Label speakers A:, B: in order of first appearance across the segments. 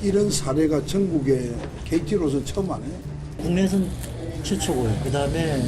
A: 이런 사례가 전국에 KT로서 처음 하네요.
B: 국내에서는 최초고요. 그 다음에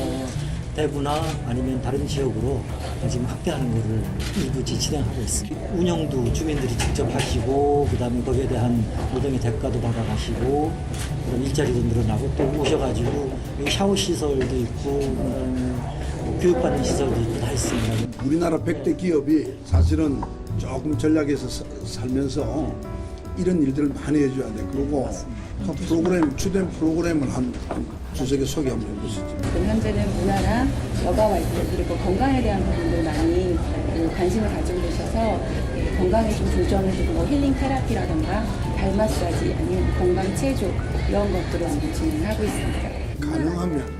B: 대구나 아니면 다른 지역으로 지금 확대하는 것을 일부 진행하고 있습니다. 운영도 주민들이 직접 하시고, 그 다음에 거기에 대한 노동의 대가도 받아가시고, 그럼 일자리도 늘어나고, 또 오셔가지고 여기 샤워 시설도 있고, 그다음에 교육받는 시설도 있고 다 있습니다.
A: 우리나라 100대 기업이 사실은 조금 전략에서 살면서 이런 일들을 많이 해줘야 돼. 그리고 그 프로그램, 주된 프로그램을 한 두세 개 소개 한번 해보시죠.
C: 현재는 문화나 여가 활동 그리고 건강에 대한 부분들 많이 관심을 가지고 계셔서 건강에 좀 조정을 주고 뭐 힐링 테라피라던가 발 마사지 아니면 건강 체조 이런 것들을 많이 진행하고 있습니다.
A: 가능하면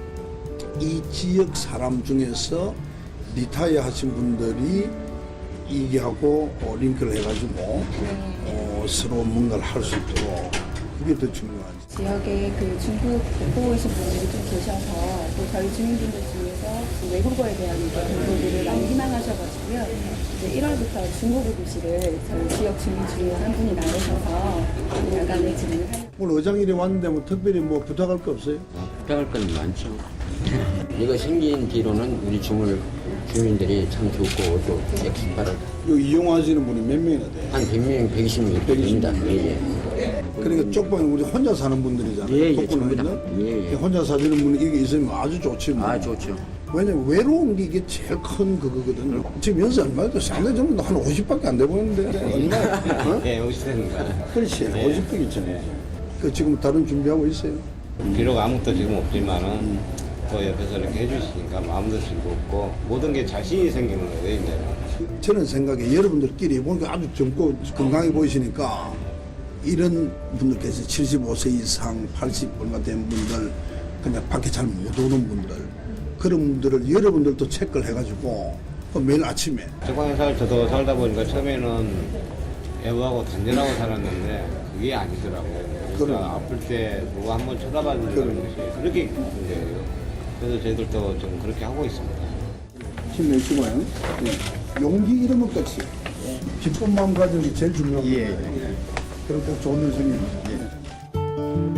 A: 이 지역 사람 중에서 리타이어 하신 분들이 이기하고 링크를 해가지고 서로 뭔가를 할 수 있도록 그게 더 중요하지.
C: 지역에 그 중국 보고 오신 분들이 좀 계셔서 또 저희 주민분들 중에서 그 외국어에 대한 공부들을 많이 희망하셔가지고요. 이제 1월부터 중국어 교실을 저희 지역 주민 중에서 한 분이 나오셔서 야간에 진행을 하는.
A: 오늘 의장일이 왔는데 뭐 특별히 뭐 부탁할 거 없어요?
D: 부탁할 건 많죠. 이거 생긴 뒤로는 우리 주민들이 참 좋고 또 엑스파를
A: 여기 이용하시는 분이 몇 명이나 돼요?
D: 한 100명, 120명 됩니다. 예, 예.
A: 그러니까 쪽방에 우리 혼자 사는 분들이잖아요.
D: 예, 예,
A: 독거노인들.
D: 전부 다. 예, 예.
A: 혼자 사시는 분이 이게 있으면 아주 좋지. 뭐.
D: 아, 좋죠.
A: 왜냐면 외로운 게 이게 제일 큰 그거거든요. 지금 연세 얼마예요? 상대 전부 한 50밖에 안 돼 보이는데. 얼마야? 어?
E: 예, 50대입니다.
A: 그렇지. 50밖에 있잖아요. 그 지금 다른 준비하고 있어요.
E: 비록 아무것도 지금 없지만은 또 옆에서 이렇게 해주시니까 마음도 즐겁고 모든 게 자신이 생기는 거예요, 이제는.
A: 저는 생각에 여러분들끼리 보니까 아주 젊고 건강해 보이시니까 이런 분들께서 75세 이상, 80 얼마 된 분들, 그냥 밖에 잘 못 오는 분들, 그런 분들을 여러분들도 체크를 해가지고 매일 아침에
E: 쪽방에 저도 살다 보니까 처음에는 애부하고 단절하고 살았는데 그게 아니더라고요. 그러니까
A: 그럼.
E: 아플 때 누가 한번 쳐다봐 준다는 것이 그렇게 기쁜데요. 그래서 저희들도 좀 그렇게 하고 있습니다.
A: 힘내시고요. 예. 용기 이런 것 같이 기쁜 마음 가지는 게 제일 중요합니다. 예. 그럼 꼭 좋은 일 생깁니다. 예.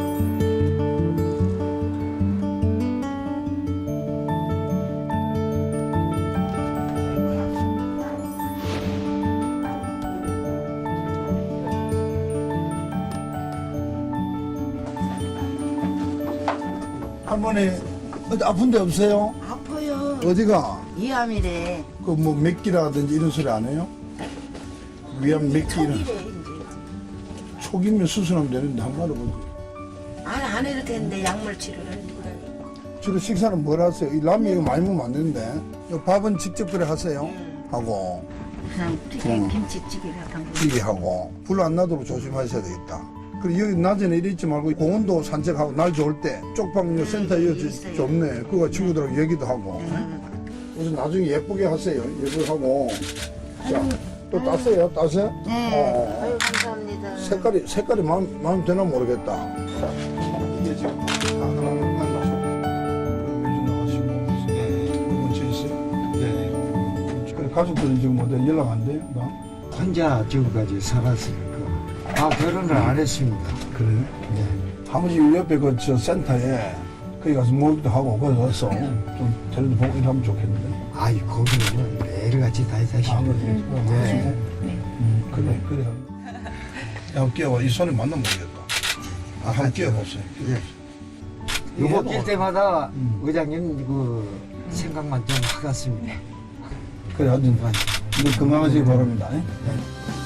A: 할머니 어디 아픈 데 없어요?
F: 아파요.
A: 어디가?
F: 위암이래.
A: 그 뭐 맥기라든지 이런 소리 안 해요? 위암 맥기 이런
F: 초기래 이제.
A: 초기면 수술하면 되는데 한 마리 보지.
F: 안 이렇게 했는데 약물 치료를.
A: 주로 식사는 뭘 하세요? 이 라면 이거 많이 먹으면 안 되는데. 이 밥은 직접 그래 하세요? 하고
F: 그냥 튀김 김치찌개 같은 거.
A: 찌개 하고 불 안 나도록 조심하셔야 되겠다. 그리고 여기 낮에는 이리 있지 말고 공원도 산책하고 날 좋을 때 쪽방요 센터 이어
F: 있어요.
A: 좋네. 그거 친구들하고 얘기도 하고. 그래서 나중에 예쁘게 하세요. 예쁘게 하고. 자, 또 땄어요? 땄어요?
F: 네. 아유 감사합니다.
A: 색깔이 마음 되나 모르겠다. 자, 이게 지금 하나하나 나가시고. 네. 문제 있어요? 네. 그래, 가족들은 지금 어디 연락 안 돼요? 나?
G: 혼자 지금까지 살았으니까 결혼을 안 했습니다.
A: 그래요?
G: 네.
A: 아버지 옆에 그 저 센터에 거기 가서 모기도 하고 거기 가서 좀 데려다 보고 이러면 좋겠는데.
G: 아이 거기는 여러 가지 다 있으시고.
A: 네. 그래. 한번 끼워봐. 이 손에 맞나 모르겠다. 한번 끼워보세요.
G: 예. 요거 낄 때마다 의장님 그 생각만 좀 하겠습니다.
A: 그래, 하여튼 늘 건강하시기 바랍니다.